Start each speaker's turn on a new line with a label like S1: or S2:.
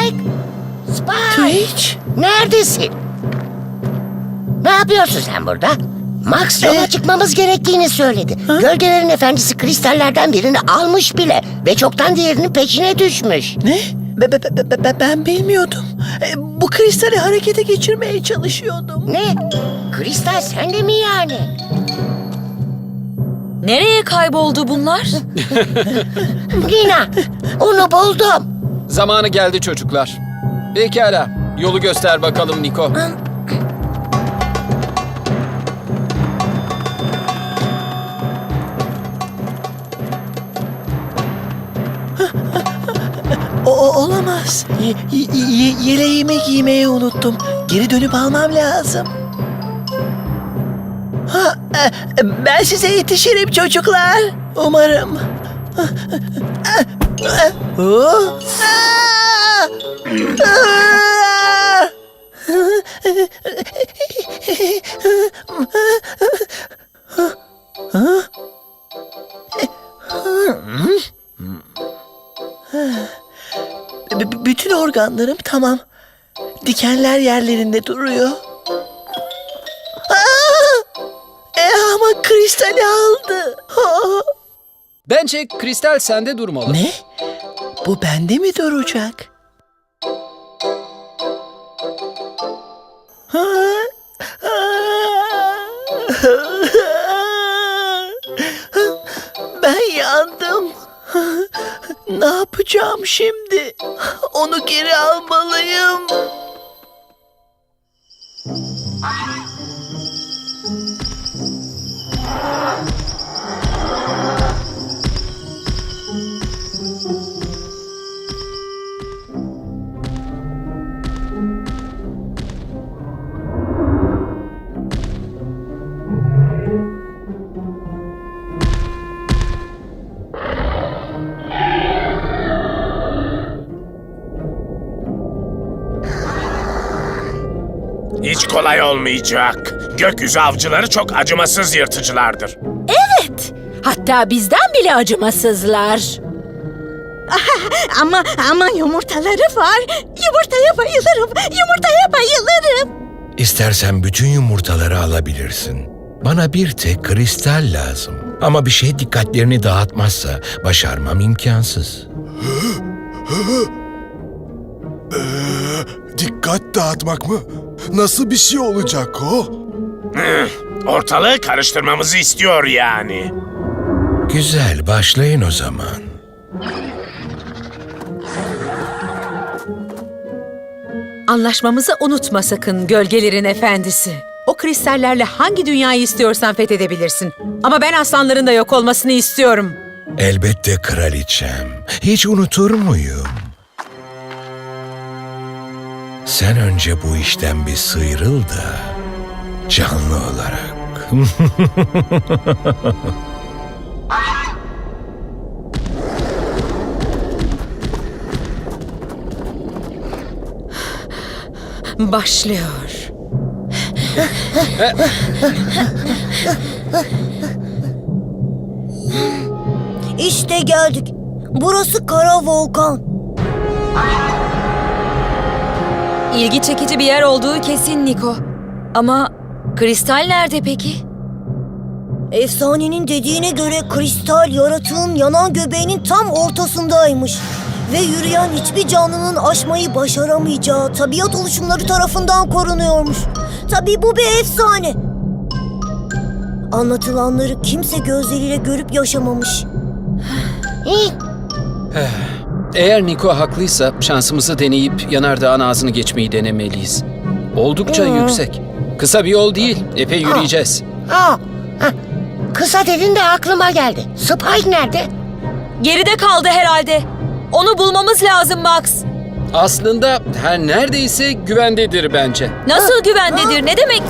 S1: Spike! Spike!
S2: Twitch?
S1: Neredesin? Ne yapıyorsun sen burada? Max yola çıkmamız gerektiğini söyledi. Gölgelerin efendisi kristallerden birini almış bile ve çoktan diğerinin peşine düşmüş.
S2: Ne? Ben bilmiyordum. Bu kristali harekete geçirmeye çalışıyordum.
S1: Ne? Kristal sende mi yani?
S3: Nereye kayboldu bunlar?
S1: Lina, onu buldum.
S4: Zamanı geldi çocuklar. Pekala, yolu göster bakalım Niko.
S2: Olamaz. Yeleğimi giymeyi unuttum. Geri dönüp almam lazım. Ben size yetişirim çocuklar. Umarım. Bütün organlarım tamam. Dikenler yerlerinde duruyor. Ama kristali aldı.
S4: Bence kristal sende durmalı.
S2: Ne? Bu bende mi duracak? Ben yandım. Ne yapacağım şimdi? Onu geri almalıyım.
S5: Hiç kolay olmayacak. Gökyüzü avcıları çok acımasız yırtıcılardır.
S3: Hatta bizden bile acımasızlar.
S6: Ama yumurtaları var. Yumurtaya bayılırım. Yumurtaya bayılırım.
S7: İstersen bütün yumurtaları alabilirsin. Bana bir tek kristal lazım. Ama bir şey dikkatlerini dağıtmazsa başarmam imkansız.
S8: Dikkat dağıtmak mı? Nasıl bir şey olacak o?
S5: Ortalığı karıştırmamızı istiyor yani.
S7: Güzel, başlayın o zaman.
S3: Anlaşmamızı unutma sakın gölgelerin efendisi. O kristallerle hangi dünyayı istiyorsan fethedebilirsin. Ama ben aslanların da yok olmasını istiyorum.
S7: Elbette kraliçem. Hiç unutur muyum? Sen önce bu işten bir sıyrıl da canlı olarak.
S3: Başlıyor.
S6: İşte geldik. Burası Kara Volkan.
S3: İlgi çekici bir yer olduğu kesin Niko. Ama kristal nerede peki?
S6: Efsanenin dediğine göre kristal yaratığın yanan göbeğinin tam ortasındaymış. Ve yürüyen hiçbir canlının aşmayı başaramayacağı tabiat oluşumları tarafından korunuyormuş. Tabii bu bir efsane. Anlatılanları kimse gözleriyle görüp yaşamamış.
S4: Eğer Niko haklıysa şansımızı deneyip yanardağın ağzını geçmeyi denemeliyiz. Oldukça yüksek. Kısa bir yol değil, epey yürüyeceğiz.
S1: Kısa dedin de aklıma geldi. Spike nerede?
S3: Geride kaldı herhalde. Onu bulmamız lazım Max.
S4: Aslında her neredeyse güvendedir bence.
S3: Nasıl güvendedir? Ne demek?